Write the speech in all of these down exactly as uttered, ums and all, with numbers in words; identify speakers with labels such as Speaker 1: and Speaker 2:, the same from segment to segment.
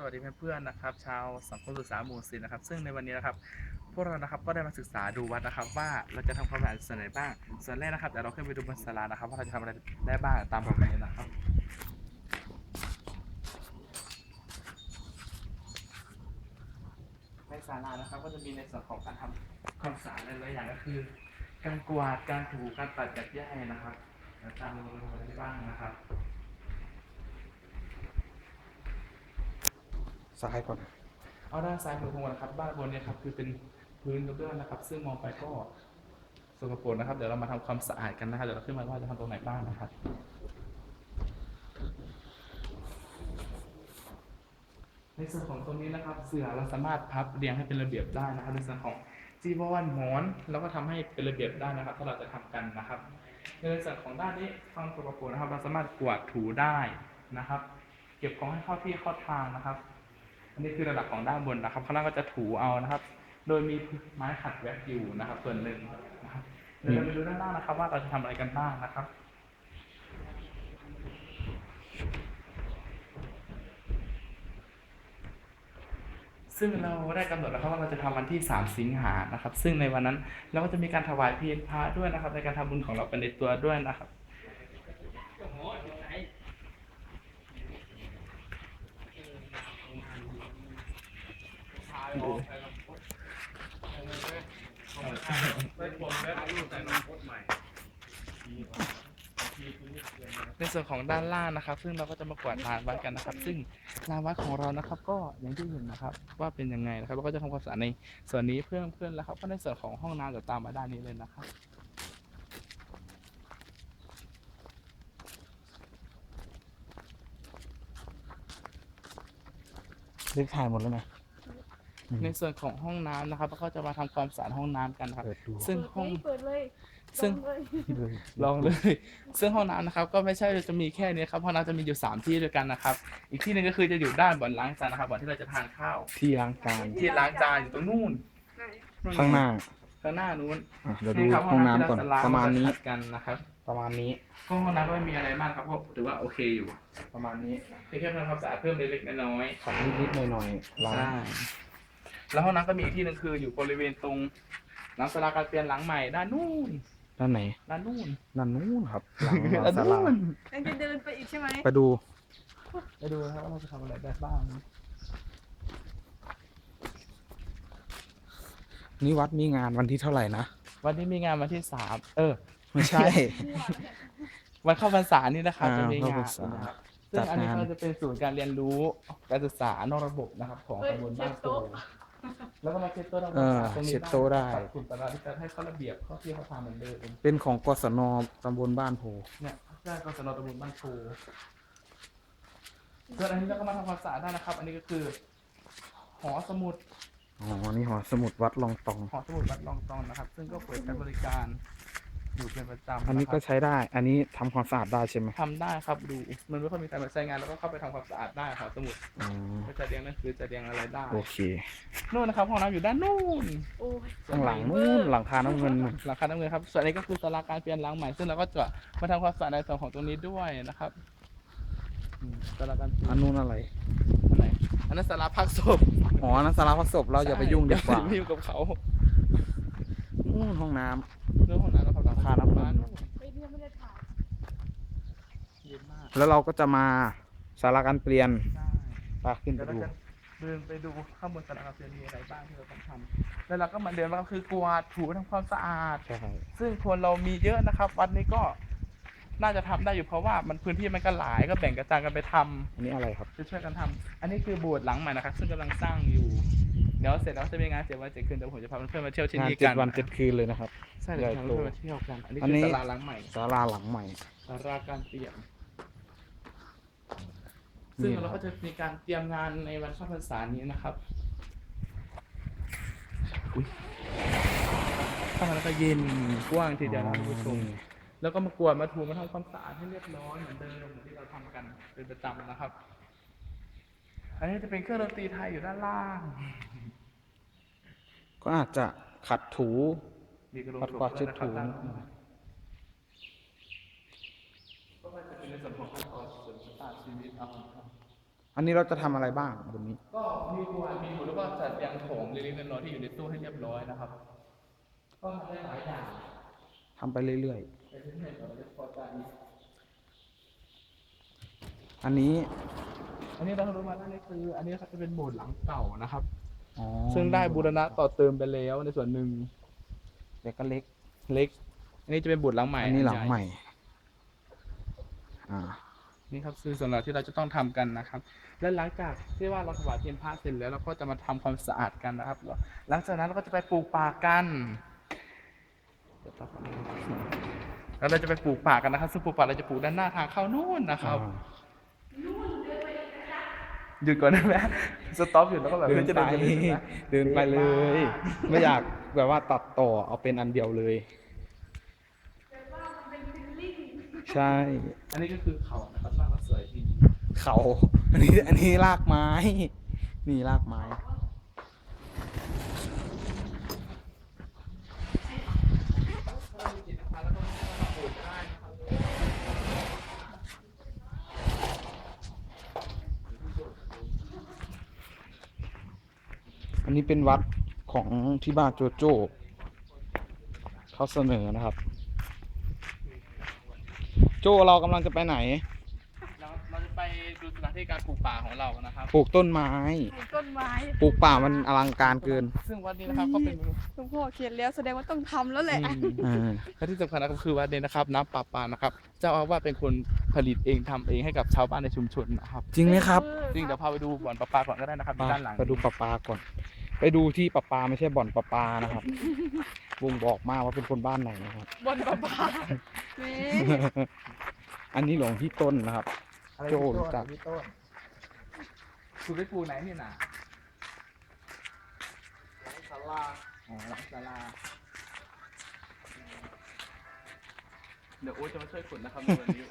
Speaker 1: วัสดีเพื่อนๆนะครับชาวสังคมศึกษาหมู่สิบนะครับซึ่งในวันนี้นะครับพวกเรานะครับก็ได้มาศึกษาดูวัดนะครับว่าเราจะทำความสะอาดส่วนไหนบ้างส่วนแรกนะครับเดี๋ยวเราขึ้นไปดูบนศาลานะครับว่าเราจะทำอะไรได้บ้างตามผมไปเลยนะครับในศาลานะครับก็จะมีในส่วนของการทำความสะอาดหลายๆอย่างก็คือการกวาดการถูการปัดจัดแยกนะครับตามลงมาได้บ้างนะครับ
Speaker 2: ซ้ายก่อน
Speaker 1: เอาด้านซ้ายมือของเราครับบ้านบนเนี่ยครับคือเป็นพื้นกระเบื้องนะครับซึ่งมองไปก็สกปรกนะครับเดี๋ยวเรามาทำความสะอาดกันนะครับเดี๋ยวเราขึ้นมาว่าจะทำตรงไหนบ้างนะครับในส่วนของตรงนี้นะครับเสื่อเราสามารถพับเรียงให้เป็นระเบียบได้นะครับในส่วนของจีวรหมอนเราก็ทำให้เป็นระเบียบได้นะครับถ้าเราจะทำกันนะครับในส่วนของด้านนี้ความสกปรกนะครับเราสามารถกวาดถูได้นะครับเก็บของให้เข้าที่เข้าทางนะครับอันนี้คือระดับของด้านบนนะครับข้างล่างก็จะถูเอานะครับโดยมีไม้ขัดแว็กอยู่นะครับส่วนหนึ่งนะครับเดี๋ยวเราไปดูด้านล่างนะครับว่าเราจะทำอะไรกันบ้างนะครับซึ่งเราได้กำหนดแล้วครับว่าเราจะทำวันที่สามสิงหานะครับซึ่งในวันนั้นเราก็จะมีการถวายเพลพระด้วยนะครับในการทำบุญของเราเป็นในตัวด้วยนะครับในส่วนของด้านล่างนะครับซึ่งเราก็จะมากวาดลานวัดกันนะครับซึ่งลานวัดของเรานะครับก็อย่างที่เห็นนะครับว่าเป็นยังไงนะครับเราก็จะทำความสะอาดในส่วนนี้เพื่อนเพื่อนแล้วครับก็ในส่วนของห้องน้ำจะตามมาด้านนี้เลยนะครับ
Speaker 2: รีบถ่ายหมดแล้วนะ
Speaker 1: ในส่วนของห้องน้ำนะครับเราก็จะมาทำความสะอาดห้องน้ำกันครับซึ่งห้อง
Speaker 3: เปิดเลย
Speaker 1: ซึ่ง
Speaker 3: เลย
Speaker 1: ลองเลย ซึ่งห้องน้ำนะครับก็ไม่ใช่จะมีแค่นี้ครับห้องน้ำจะมีอยู่สามที่ด้วยกันนะครับอีกที่หนึ่งก็คือจะอยู่ด้านบ่อนล้างจานนะครับบ่อนที่เราจะทานข้าว
Speaker 2: ที่ล้างจาน
Speaker 1: ที่ล้างจานอยู่ตรงนู่น
Speaker 2: ข้างหน้า
Speaker 1: ข้างหน้านู้น
Speaker 2: อ่ะเดี๋ยวดู
Speaker 1: นี่ครับ
Speaker 2: ห้องน้ำก่อน
Speaker 1: ที่เจ
Speaker 2: ประมาณนี้
Speaker 1: ล้งขัดกันนะครับ
Speaker 2: ประมาณนี้
Speaker 1: ก็ห้องน้ำก็ไม่มีอะไรมากครับก็ถือว่าโอเคอยู่
Speaker 2: ประมาณนี้
Speaker 1: เพียงแค่ทำความสะอาดเพิ่มเล็กๆน้อย
Speaker 2: ขัดนิดๆหน่อยๆ
Speaker 1: ๆ
Speaker 2: ล้าง
Speaker 1: ใช่แล้วห้องน้ำก็มีอีกที่หนึ่งคืออยู่บริเวณตรงหลังศาลาการเปลี่ยนหลังใหม่ด้านนู่น
Speaker 2: ด้านไหน
Speaker 1: ด้านนู่น
Speaker 2: ด้านนู้นครับ หลังหลัง
Speaker 1: ด้าน
Speaker 2: ศาลา
Speaker 1: นู่น
Speaker 3: ยังจะเดินไปอีกใช่ไหม
Speaker 2: ไปดู
Speaker 1: ไปดูนะครับว่าเราจะทำอะไรได้บ้าง
Speaker 2: นี่วัดมีงานวันที่เท่าไหร่นะ
Speaker 1: วันนี้มีงานวันที่สามเออ
Speaker 2: ไม่ใช่
Speaker 1: วันเข้าพรรษานี่นะครับ
Speaker 2: อ่า
Speaker 1: จะมีงาน
Speaker 2: เข้าพรรษา
Speaker 1: นะครับซึ่
Speaker 2: จั
Speaker 1: ง
Speaker 2: ด
Speaker 1: อันนี้
Speaker 2: งาน
Speaker 1: ก็จะเป็นศูนย์การเรียนรู้การศึกษานอกระบบนะครับของ
Speaker 3: เฮ้ย
Speaker 1: ตำบล
Speaker 3: เช็
Speaker 1: บ้า
Speaker 3: ด
Speaker 1: นโพ
Speaker 3: โต๊ะ
Speaker 1: แล้วก็มาเช็ดโต๊ะทำค
Speaker 2: เอ
Speaker 1: วาม
Speaker 2: อ
Speaker 1: สะอาดตรงนี้
Speaker 2: เช็ดโต๊ะได้
Speaker 1: ปรับคุณตลาดที่จะให้เข้าระเบียบเข้าที่เขาทำเหมือนเดิม
Speaker 2: เป็นของกศนตำบลบ้านโพ
Speaker 1: เนี่ยได้กศนตำบลบ้านโพส่วนอันนี้เราก็มาทำความสะอาดได้นะครับ อันนี้ก็คือหอสมุด
Speaker 2: อ๋อ นี่หอสมุดวัดลองตอง
Speaker 1: หอสมุดวัดลองตองนะครับ ซึ่งก็เปิดให้บริการอยู่เป็นประจำ
Speaker 2: อันนี้ก็
Speaker 1: ะครับ
Speaker 2: ใช้ได้ อันนี้ทำความสะอาดได้ใช่ไหม
Speaker 1: ทำได้ครับดูมันไม่ค่อยมีใครมาใช้งานแล้วก็เข้าไปทำความสะอาดได้หอสมุด
Speaker 2: อ๋อ
Speaker 1: ก็จะเรียงหนังสือจะเรียงอะไรได้
Speaker 2: โอเค
Speaker 1: นู่นนะครับห้องน้ำอยู่ด้านนู่น
Speaker 3: โอ้ย
Speaker 2: ข้างหลังนู้นหลังคาน้ำเงินนู่น
Speaker 1: หลังคาน้ำเงินครับส่วนนี้ก็คือศาลาการเปลี่ยนหลังใหม่ซึ่งเราก็จะมาทำความสะอาดในส่วนของตรงนี้ด้วยนะครับอืมศาลาการเปลี่ยน
Speaker 2: อันนู้นอะไร
Speaker 1: อันไหนอันนั้นศาลาพักศพ
Speaker 2: อ๋อนั่นสาราพักศพเราอย่าไปยุ่งดีกว่า
Speaker 1: อย่ไปยุ่งกับเขา
Speaker 2: นู่นห้องน้ำ
Speaker 1: เรื่องห้องน้ำนะครับ
Speaker 2: หลังคาน้ำเงิน
Speaker 3: ไม่เนี่ยไม่ได้ถ่าย
Speaker 1: เย็นมาก
Speaker 2: แล้วเราก็จะมาสาราการเปลี่ยน
Speaker 1: ใช่
Speaker 2: ปาขึ้นไป
Speaker 1: เดี๋ยวเรา
Speaker 2: ดู
Speaker 1: จะเดินไปดูข้างบนศาลาการเปลี่ยนมีอะไรบ้างที่เราต้องทำแล้วเราก็มาเดินมาก็คือกวาดถูทำความสะอาด
Speaker 2: ใช่
Speaker 1: ซึ่งคนเรามีเยอะนะครับ วัดนี้ก็น่าจะทำได้อยู่เพราะว่ามันพื้นที่มันก็หลายก็แบ่งกระจายกันไปทำ
Speaker 2: อันนี้อะไรครับ
Speaker 1: จะช่วยกันทำอันนี้คือโบสถ์หลังใหม่นะครับ ซึ่งกำลังสร้างอยู่ เดี๋ยวเสร็จแล้วจะมีงานเจ็ดวันเจ็ดคืนเดี๋ยวผมจะพาเพื่อนๆมาเที่ยวที่
Speaker 2: งาน
Speaker 1: นี่
Speaker 2: เจ็
Speaker 1: กั
Speaker 2: ด
Speaker 1: น
Speaker 2: วันเจ็ดคืนเลยนะครับ
Speaker 1: ใช่เดี๋ยวพาเพื่อนๆมาเที่ยวกัน อันนี้
Speaker 2: อัน
Speaker 1: คือ
Speaker 2: นี้
Speaker 1: ศาลาหลังใหม่
Speaker 2: ศาลาหลังใหม่
Speaker 1: ศาลาการเปลี่ยน ซึ่ง
Speaker 2: นี่ครับ
Speaker 1: เราก็จะมีการเตรียมงานในวันเข้าพรรษานี้นะครับอุ๊ยข้างในแล้วก็เย็นกว้างทีเดียวนะท่านผู้ชม แล้วก็มากวาดมาถูมาทำความสะอาดให้เรียบร้อยเหมือนเดิมเหมือนที่เราทำกันเป็นประจำนะครับ อันนี้จะเป็นเครื่องดนตรีไทยอยู่ด้านล่าง
Speaker 2: ก็อาจจะขัดถู
Speaker 1: มีกระโหล
Speaker 2: ปั
Speaker 1: ก
Speaker 2: ดกวาดเช็ดถู
Speaker 1: ด้านล่างก็จะเป็นในส่วนของขั้นตอนเสริมสตาร์ทชีวิตเอาครับ
Speaker 2: อัอันนี้เราจะทำอะไรบ้างบนนี้
Speaker 1: ก็มีครัวมีหมูแล้วก็จัดเรียงโถงเล็กๆน้อยๆที่อยู่ในตู้ให้เรียบร้อยนะครับ ก็ทำได้หลายอย่าง
Speaker 2: ทำไปเรื่อย
Speaker 1: ไปเรื่อยๆเราจะพอใจ
Speaker 2: ๆ อันนี้
Speaker 1: อันนี้เรารู้มาได้นี่คือ อันนี้จะเป็นโบสถ์หลังเก่านะครับ
Speaker 2: อ๋อ
Speaker 1: ซึ่งได้บูรณะต่อเติมไปแล้วในส่วนหนึ่ง
Speaker 2: เล็กก็เล็ก
Speaker 1: เล็ก อันนี้จะเป็นโบสถ์หลังใหม่
Speaker 2: อันนี้หลัง
Speaker 1: ญ่
Speaker 2: ใหม่ อ่า
Speaker 1: นี่ครับคือส่วนหลักที่เราจะต้องทำกันนะครับ และหลังจากที่ว่าเราถวายเทียนพระเสร็จแล้วเราก็จะมาทำความสะอาดกันนะครับ หลังจากนั้นเราก็จะไปปลูกป่ากันแล้วเราจะไปปลูกป่ากันนะครับซึ่งปลูกป่าเราจะปลูกด้านหน้าทางเข้านู่นนะครับหยุดก่อนได้ไหมสต็อปหยุดแล้วก็แบบ
Speaker 2: เดิน
Speaker 1: พื่อจะ
Speaker 2: ไป
Speaker 1: เดินไปเลยใช่ไหม
Speaker 2: เดินไปเลย ไม่อยากแบบว่าตัดต่อเอาเป็นอันเดียวเลย ใช่
Speaker 1: อันนี้ก็คือเขานะครับสร้างแล้วสวยดี
Speaker 2: เขา อันนี้ อันนี้รากไม้ นี่รากไม้ อันนี้เป็นวัดของที่บ้านโจโจ้เขาเสนอนะครับ โจเรากำลังจะไปไหน
Speaker 1: เราเราจะไปดูสถานที่การปลูกป่าของเรานะครับ
Speaker 2: ปลูกต้นไม้
Speaker 3: ปลูกต้นไม้
Speaker 2: ปลูกป่ามันอลังการเกิน
Speaker 1: ซึ่งวัดนี้นะครับก็เป็น
Speaker 3: หลวงพ่อเขียนแล้วแสดงว่าต้องทำแล้วแหละ
Speaker 2: อ่า
Speaker 1: และที่สำคัญนะครับคือวัดนี้นะครับน้ำประปานะครับเจ้าอาวาสเป็นคนผลิตเองทำเองให้กับชาวบ้านในชุมชนนะครับ
Speaker 2: จริงไหมครับ
Speaker 1: จริงเดี๋ยวพาไปดูบ่อนประปาก่อนก็ได้นะครับ
Speaker 2: ไป
Speaker 1: ด้านหลัง
Speaker 2: ไปดูปลาปลาก่อน ไปดูที่ปลาปลาไม่ใช่บ่อนปลาปลานะครับวงบอกมากว่าเป็นคนบ้านไหนนะครับ
Speaker 3: บนประปาแหม่
Speaker 2: อันนี้หลวงพี่ต้นนะครับ
Speaker 1: อะไร
Speaker 2: โจ้
Speaker 1: พี่
Speaker 2: รู้จัก
Speaker 1: พี่ต้นคุณไปปลูกไหนนี่น่ะหลังศาลาอ๋อหลังศาลาเดี๋ยวโอ๊ตจะมาช่วยขุดนะครับในวันนี้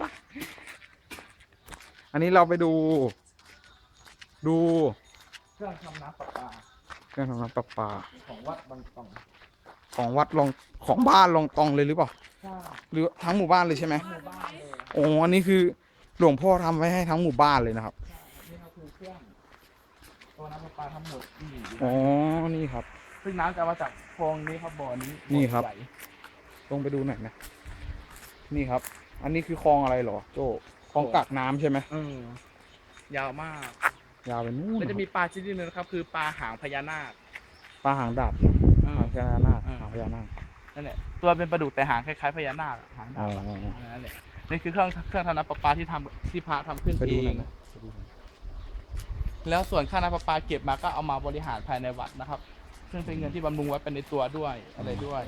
Speaker 2: อันนี้เราไปดู ดู
Speaker 1: เครื่องทำน้ำประปา
Speaker 2: เครื่องทำน้ำประปา
Speaker 1: ของวัดบางตอง
Speaker 2: ของวัดลองของบ้านลองตองเลยหรือเปล่า
Speaker 1: ใช่
Speaker 2: หรือทั้งหมู่บ้านเลยใช่ไหม
Speaker 1: หมู่บ้านเลย
Speaker 2: โอ้อันนี้คือหลวงพ่อทำไว้ให้ทั้งหมู่บ้านเลยนะครับ
Speaker 1: นี่ก็คือเครื่องตัวน้ำประปาทั้งหมดที่อยู่
Speaker 2: อ๋อ นี่ครับ
Speaker 1: ซึ่งน้ำจะมาจากคลองนี้ครับบ่อนี้
Speaker 2: นี่ครับ
Speaker 1: ใหญ่
Speaker 2: ลงไปดูหน่อยนะ นี่ครับ อันนี้คือคลองอะไรเหรอ โจคลองกักน้ำใช่ไหม
Speaker 1: เออยาวมาก
Speaker 2: ยาวไปนู่น
Speaker 1: แล้วจะมีปลาชนิดหนึงนะครับ คือปลาหางพญานาค
Speaker 2: ปลาหางดาบ
Speaker 1: เออ
Speaker 2: หางพญานาค
Speaker 1: เออ
Speaker 2: หางพญานาค
Speaker 1: นั่นแหละตัวเป็นปลาดุกแต่หางคล้ายๆพญานาคอะหาง
Speaker 2: อ๋
Speaker 1: ดา
Speaker 2: อ
Speaker 1: บอะนั่นแหละนี่คือเครื่องเครื่องทำน้ำประปาที่ทำที่พระทำขึ้น
Speaker 2: ไป
Speaker 1: เอ
Speaker 2: ดูหน่
Speaker 1: ง
Speaker 2: อยนะไปดูหน่อย
Speaker 1: แล้วส่วนค่าน้ำประปาเก็บมาก็เอามาบริหารภายในวัดนะครับ ซึ่งเป็นเงินที่บำรุงวัดเป็นในตัวด้วยอะไรด้วย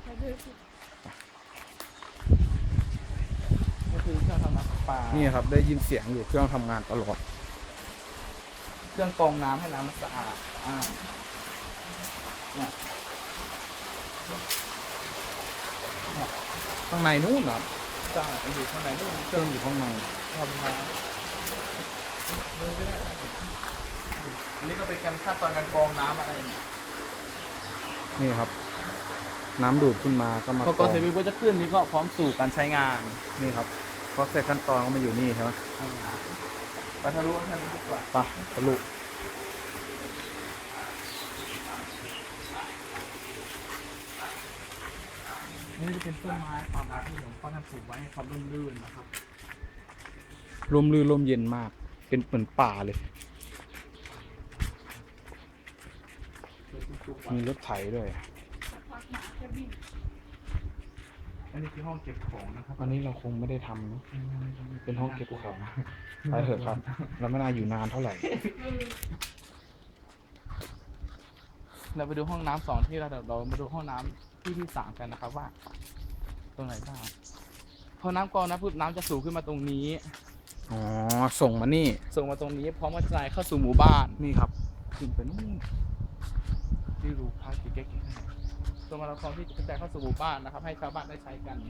Speaker 1: ก็คือเครื่องทำน้ำประปา
Speaker 2: นี่ครับ ได้ยินเสียงอยู่เครื่องทำงานตลอด
Speaker 1: เครื่องกรองน้ำให้น้ำมันสะอาดอ่าเนี่ย
Speaker 2: ข้างในนู่นเหรอ
Speaker 1: สะอาดอยู่ข้างในนู่น
Speaker 2: เครื่องอยู่ข้างใน
Speaker 1: ทำมาอันนี้ก็เป็นการขั้นตอนการกรองน้ำอะไรเนี่ย
Speaker 2: นี่ครับ น้ำดูดขึ้นมาก็มา
Speaker 1: พอกรองเสร็จปุ๊บก็จะขึ้นนี่ก็พร้อมสู่การใช้งาน
Speaker 2: นี่ครับพอเสร็จขั้นตอนก็มาอยู่นี่ใช่ไหม
Speaker 1: ไปทะลุทะลุดีกว่า
Speaker 2: ไปทะลุ
Speaker 1: นี่จะเป็นต้นไม้ความรักที่หลวงพ่อท่านปลูกไว้ให้ความร่มรื่นนะครับ
Speaker 2: ลมลื่นลมเย็นมาก เป็นเหมือนป่าเลย มีรถไถด้วย
Speaker 1: อันนี้คือห้องเก็บของนะครับ
Speaker 2: อันนี้เราคงไม่ได้ทำเนอะเป็นห้องเก็บของไปเถอะครับ เราไม่น่าอยู่นานเท่าไหร่
Speaker 1: เราไปดูห้องน้ำสองที่เราเดี๋ยวเรามาดูห้องน้ำที่ที่สามกันนะครับว่า ตรงไหนบ้างพอน้ำกรองนะปุ๊บน้ำจะสูงขึ้นมาตรงนี้
Speaker 2: อ๋อ ส่งมานี่
Speaker 1: ส่งมาตรงนี้พร้อมกระจายเข้าสู่หมู่บ้าน
Speaker 2: นี่ครับ
Speaker 1: ขึ้นไปนู่นที่รูพาร์ทเก๊กๆตัวมาราธอนที่จะกระจายเข้าสู่หมู่บ้านนะครับ ให้ชาวบ้านได้ใช้กัน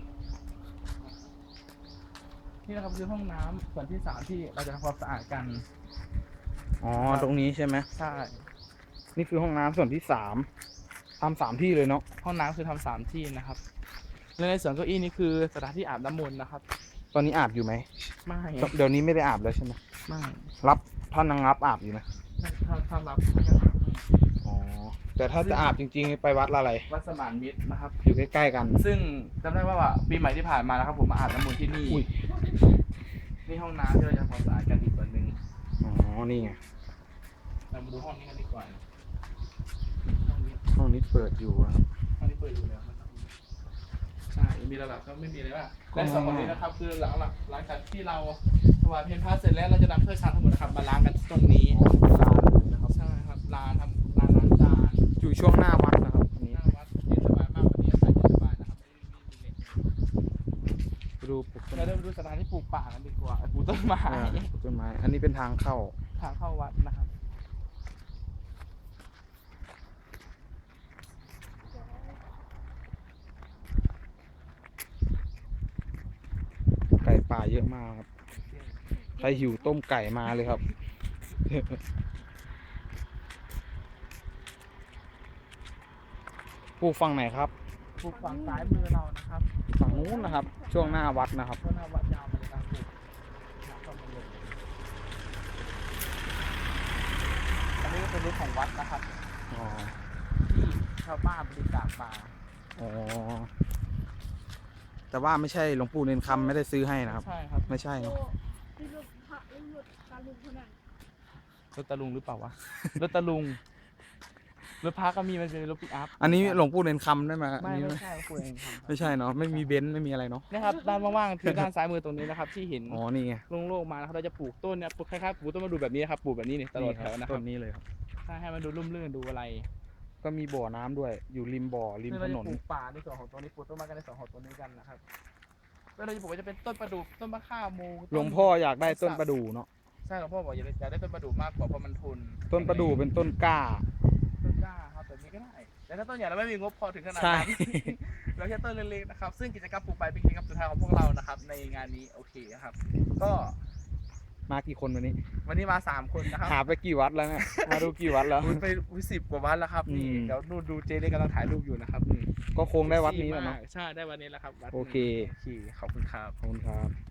Speaker 1: นี่นะครับคือห้องน้ำส่วนที่สามที่เราจะทำความสะอาดกัน
Speaker 2: อ๋อ ตรงนี้ใช่ไหม
Speaker 1: ใช่
Speaker 2: นี่คือห้องน้ำส่วนที่สามทำสามที่เลยเนาะ
Speaker 1: ห้องน้ำคือทำสามที่นะครับและในส่วนเก้าอี้นี่คือสถานที่อาบน้ำมนต์นะครับ
Speaker 2: ตอนนี้อาบอยู่ไหม
Speaker 1: ไม่
Speaker 2: เดี๋ยวนี้ไม่ได้อาบแล้วใช่ไหม
Speaker 1: ไม่
Speaker 2: รับท่านนางงับอาบอยู่นะ
Speaker 1: ถ้าถ้ารับ
Speaker 2: อ๋อ แต่ถ้าจะอาบจริงๆ ไปวัดอะไร
Speaker 1: วัดสมานมิตรนะครับ
Speaker 2: อยู่ใกล้ๆกัน
Speaker 1: ซึ่งจำได้ว่าว่าปีใหม่ที่ผ่านมานะครับ ผมมาอาบน้ำมนต์ที่นี่
Speaker 2: อุ้ย
Speaker 1: นี่ห้องน้ำที่เราจะทำความสะอาดกันอีกส่วนหนึ่ง
Speaker 2: อ๋อ นี่ไง
Speaker 1: เรามาดูห้องนี้กันดีกว่าห้องนี้
Speaker 2: ห้องนี้เปิดอยู่นะครับ
Speaker 1: ห้องนี้เปิดอยู่แล้วนะครับใช่มีระดับก็ไม่มีเลยว่าและสองคนนี้นะครับคือหลังหลังหลังจากที่เราถวายเพลพระเสร็จแล้วเราจะนำถ้วยชามทั้งหมดนะครับมาล้างกันตรงนี้
Speaker 2: ร้านเลยนะครับ
Speaker 1: ใช่ครับลานทำลานล้างจาน
Speaker 2: อยู่ช่วงหน้าวัดนะครับอันนี้
Speaker 1: หน้าวัดเย็นสบายมากวันนี้อากาศเย็นสบายนะครับไม่ได้มีเหล็ก
Speaker 2: ไปดูปลูกต้น
Speaker 1: เราเริ่มดูสถานที่ปลูกป่ากันดีกว่าปลูกต้นไม้
Speaker 2: อ่าปลูกต้นไม้ อันนี้เป็นทางเข้า
Speaker 1: ทางเข้าวัดนะครับ
Speaker 2: ไก่ป่าเยอะมากครับ ใครหิวต้มไก่มาเลยครับ ปลูกฝั่งไหนครับ
Speaker 1: ปลูกฝั่งซ้ายมือเรานะครับ
Speaker 2: ฝั่งนู้นนะครับ ช่วงหน้าวัดนะครับ
Speaker 1: ช่วงหน้าวัดยาวมาเลยครับปลูกน้ำเข้ามาเลยอันนี้ก็เป็นรูปของวัดนะครับ
Speaker 2: อ๋อ
Speaker 1: ที่ชาวบ้านบริจาคมา
Speaker 2: อ๋อ แต่ว่าไม่ใช่หลวงปู่เนนคำไม่ได้ซื้อให้นะครับ
Speaker 1: ใช่ครับ
Speaker 2: ไม่ใช่เนอะ
Speaker 3: ที่รถพระรถตาลุงคนนั้น
Speaker 1: รถตะลุงหรือเปล่าวะ รถตะลุง รถพาก็มีมันเป็นรถปิกอัพ
Speaker 2: อันนี้หลวงปู่เนนคำได้ไหม
Speaker 1: ไม่
Speaker 2: อันนี้
Speaker 1: ไม่ใช่คุยเองครับ
Speaker 2: ไม่ใช่เนาะ ไม่มีเบนซ์ไม่มีอะไรเนาะ
Speaker 1: นะครับด้านว่างๆคือด้านซ้ายมือตรงนี้นะครับที่เห็น
Speaker 2: อ๋อ นี่ไง
Speaker 1: โล่งๆมานะครับเราจะปลูกต้นเนี่ยปลูกคล้ายๆปลูกต้นมาดูแบบนี้นะครับปลูกแบบนี้เนี่ยตลอดแถวนะค
Speaker 2: ต้
Speaker 1: รับ
Speaker 2: นนี้เลยครับ
Speaker 1: ใช่ให้มันดูร่มรื่นดูอะไร
Speaker 2: ก็มีบ่อน้ำด้วย อยู่ริมบ่อ ริม
Speaker 1: ซึ่ง
Speaker 2: ถ
Speaker 1: เรา
Speaker 2: น
Speaker 1: จะ
Speaker 2: น
Speaker 1: ปลูกป่าในส่วนของตัวนี้ปลูกต้นไม้กันในส่วนของตัวนี้กันนะครับแล้วเราจะปลูกก็จะเป็นต้นประดู่ต้นมะข่าโมต้น
Speaker 2: หลวงพ่ออยากได้ต้นประดู่เนาะ
Speaker 1: ใช่หลวงพ่อบอกอยากได้อยากได้ต้นประดู่มากกว่าเพราะมันทน
Speaker 2: ต้นประดู่เป็นต้นกล้า
Speaker 1: ต้นกล้าครับแบบนี้ก็ได้แต่ถ้าต้นใหญ่เราไม่มีงบพอถึงขนาด
Speaker 2: ใช่
Speaker 1: นั้น เราแค่ต้นเล็กๆนะครับซึ่งกิจกรรมปลูกใบเป็นกิจกรรมสุดท้ายของพวกเรานะครับในงานนี้โอเคครับก็
Speaker 2: มากี่คนวันนี้
Speaker 1: วันนี้มาสามคนนะครับ
Speaker 2: หาไปกี่วัดแล้วเนี่ย มาดูกี่วัดแล้ว
Speaker 1: คุณไปสิบกว่าวันแล้วครับนี่
Speaker 2: อืม
Speaker 1: เดี๋ยวนู่นดูเจเล็กกำลังถ่ายรูปอยู่นะครับนี่
Speaker 2: ก็คงได้วัดนี้แหล้วเนาะ
Speaker 1: ใช่ได้วันนี้แล้วครับวัด
Speaker 2: โอเค
Speaker 1: โอเคขอบคุณครับ
Speaker 2: ขอบคุณครับ